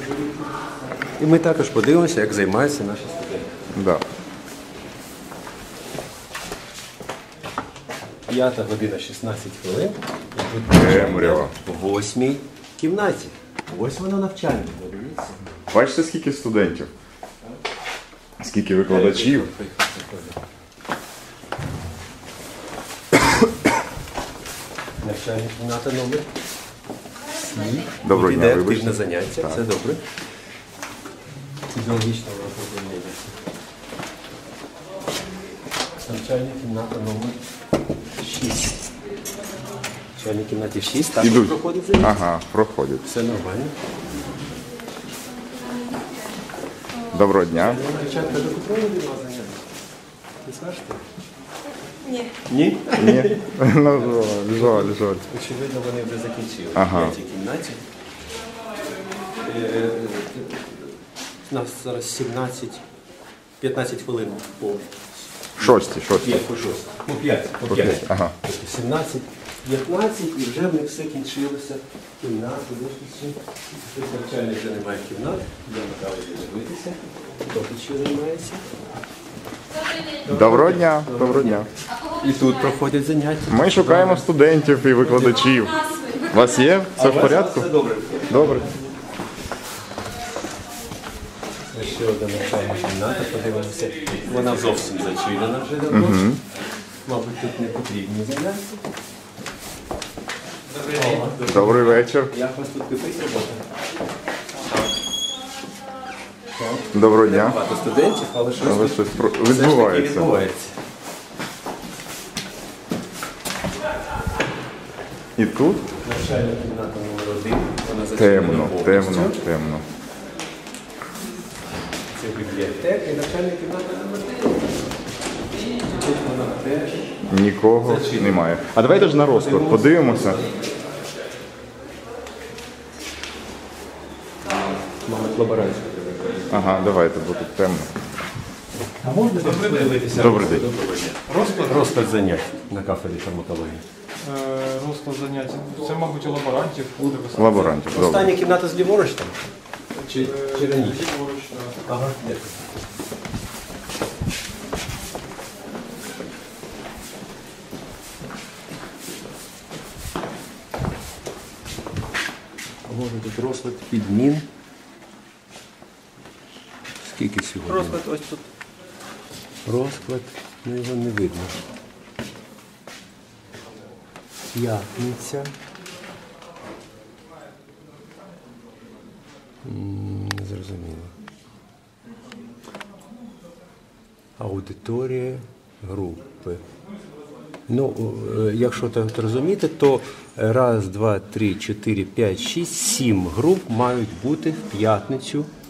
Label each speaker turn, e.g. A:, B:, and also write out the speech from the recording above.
A: І ми також подивимося, як займаються наші студенти.
B: Да.
A: 5 година 16 хвилин. І тут
B: Темрява.
A: в 8-й кімнаті. Ось воно навчання, подивіться.
B: Бачите, скільки студентів? Скільки викладачів?
A: Навчальна кімната номер 7.
B: Доброго
A: Тут
B: дня,
A: іде
B: вибачте.
A: активне заняття, це добре. Фізіологічного розроблення. Навчальна кімната номер 6. В навчальній кімнаті 6, також
B: Ідуть.
A: проходить заняття.
B: Ага, проходять.
A: Все нормально.
B: Доброго дня.
A: Дівчатка, до котрої від вас заняття? Не скажете?
C: Ні.
A: Ні?
B: Ні? Ну, жаль.
A: Очевидно, вони вже закінчили.
B: Ага.
A: В 5-й кімнаті. У нас зараз 15 хвилин по
B: Шості.
A: 5 по 6. По 5. По 5.
B: Ага.
A: 17, 15 і вже в них все кінчилося. Кімнати, вишки. Тут навчальних вже немає кімнат. Я направлю дивитися. Хто тут ще займається?
B: Доброго дня. Доброго дня.
A: І тут проходять заняття.
B: Ми шукаємо студентів і викладачів. У вас є? Все в порядку?
A: Все добре.
B: Добре.
A: Це ще одна навчальна кімната, подивимося. Вона зовсім зачинена вже давно. Мабуть, тут не потрібні заняття.
B: Добрий вечір.
A: Як у вас тут кипить робота?
B: Доброго дня.
A: Багато студентів, але щось
B: Але
A: тут
B: щось
A: все ж таки
B: відбувається.
A: відбувається.
B: І тут
A: Навчальна кімната номер 1. Вона зачинена
B: темно.
A: повністю. Це бібліотека і навчальна кімната номер 1. Тут вона теж.
B: Нікого немає. А давайте ж на розклад подивимося.
A: Мабуть, лаборацію.
B: Ага, давайте, бо тут темно.
A: А можна подивитися?
B: Добрий день.
A: Розклад занять на кафедрі фармакології.
D: Розклад заняття. Це, мабуть, у лаборантів буде високо.
B: Лаборантів, добре.
A: Остання кімната зліворуч там? Чи раніше? Ага, дякую. Може тут розклад підмін. Скільки сьогодні?
D: Розклад ось тут.
A: Розклад, ну його не видно. П'ятниця. Не зрозуміло. Аудиторія групи. Ну, якщо так розуміти, то 1, 2, 3, 4, 5, 6, 7 груп мають бути в п'ятницю